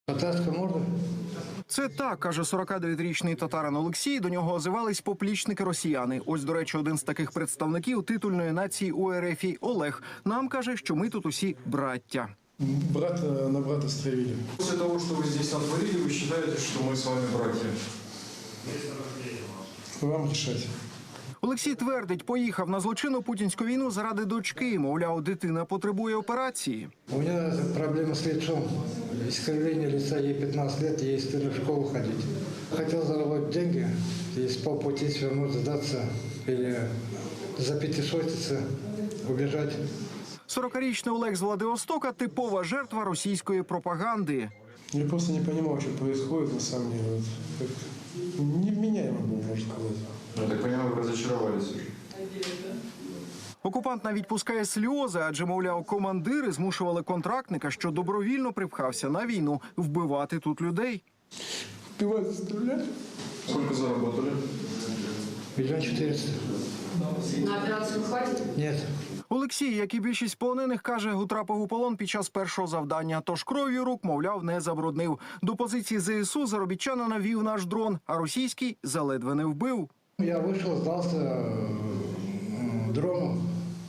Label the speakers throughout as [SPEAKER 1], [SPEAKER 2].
[SPEAKER 1] Татарська можна?
[SPEAKER 2] Це так, каже 49-річний татарин Олексій. До нього озивались поплічники-росіяни. Ось, до речі, один з таких представників титульної нації УРФ Олег. Нам каже, що ми тут усі браття.
[SPEAKER 1] Брат на брата стравили.
[SPEAKER 3] После того, что вы здесь натворили, вы считаете, что мы с вами братья?
[SPEAKER 1] Вам решать.
[SPEAKER 2] Олексій твердить, поїхав на злочинну путінську війну заради дочки. Мовляв, дитина потребує операції.
[SPEAKER 1] У меня проблема с лицом. Искривление лица, ей 15 лет, ей стыдно в школу ходить. Хотел заработать деньги, и с полпути свернуть, сдаться или запятисотиться, убежать.
[SPEAKER 2] 40-річний Олег з Владивостока – типова жертва російської пропаганди.
[SPEAKER 1] Я просто не понимал, что происходит на самом деле. Вот, как невменяемо было, можно сказать.
[SPEAKER 3] Я так понимаю, вы разочаровались уже.
[SPEAKER 2] Окупант навіть пускає сльози, адже, мовляв, командири змушували контрактника, що добровільно припхався на війну, вбивати тут людей.
[SPEAKER 1] Убивать, застрелять?
[SPEAKER 3] Сколько заработали?
[SPEAKER 1] 1 400 000.
[SPEAKER 4] На операцию хватит?
[SPEAKER 1] Нет.
[SPEAKER 2] Олексій, як і більшість полонених, каже, утрапив у полон під час першого завдання. Тож кров'ю рук, мовляв, не забруднив. До позиції ЗСУ заробітчанина вів наш дрон, а російський заледве не вбив.
[SPEAKER 1] Я вышел, сдался дрону.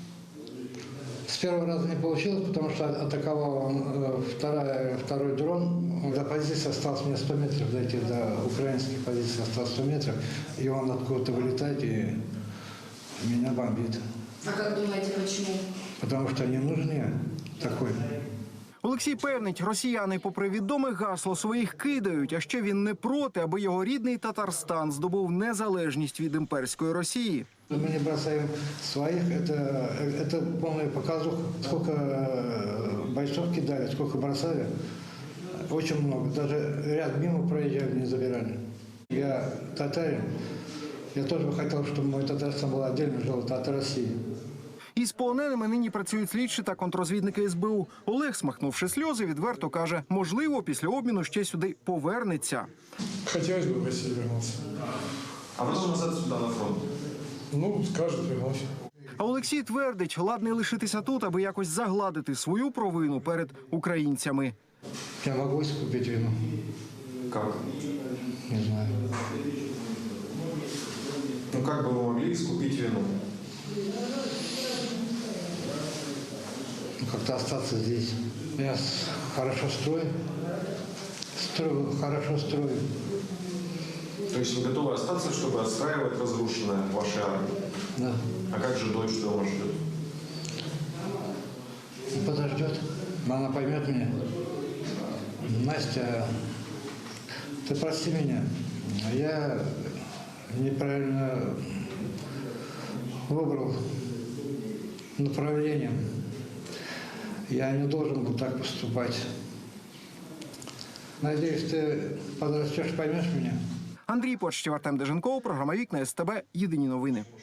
[SPEAKER 1] С первого раза не получилось, потому что атаковал он, второй дрон. До позиции осталось мне 100 метров дойти, до украинской позиции осталось 100 метров. И он откуда-то вылетает и меня бомбит.
[SPEAKER 4] А как думаете, почему?
[SPEAKER 1] Потому что не нужен такой.
[SPEAKER 2] Олексій певнить, росіяни, попри відоме гасло, своїх кидають, а ще він не проти, аби його рідний Татарстан здобув незалежність від імперської Росії.
[SPEAKER 1] Мы не бросаем своих, это полная показуха. Сколько бойцов кидали, сколько бросали, очень много. Даже ряд мимо проезжали, не забирали. Я татарин, я тоже бы хотел, чтобы мой Татарстан был отдельно жил от России.
[SPEAKER 2] Із полоненими нині працюють слідчі та контрозвідники СБУ. Олег, смахнувши сльози, відверто каже, можливо, після обміну ще сюди повернеться.
[SPEAKER 1] Хотелось бы в Россию вернуться.
[SPEAKER 3] А потом назад сюда, на фронт?
[SPEAKER 1] Ну, скажут, вернусь.
[SPEAKER 2] А Олексій твердить, ладний лишитися тут, аби якось загладити свою провину перед українцями.
[SPEAKER 1] Я могу искупить вину?
[SPEAKER 3] Как?
[SPEAKER 1] Не знаю.
[SPEAKER 3] Ну как бы вы могли искупить вину?
[SPEAKER 1] Как-то остаться здесь. Я хорошо строю, хорошо строю.
[SPEAKER 3] То есть вы готовы остаться, чтобы отстраивать разрушенное вашей армии?
[SPEAKER 1] Да.
[SPEAKER 3] А как же дочь дома ждет?
[SPEAKER 1] Подождет. Она поймет меня. Настя, ты прости меня. Я неправильно выбрал направление. Я не должен был так поступать. Надеюсь, ты подрастешь, поймешь меня.
[SPEAKER 2] Андрій Почтів, Артем Деженков, програма «Вікна СТБ». Єдині новини.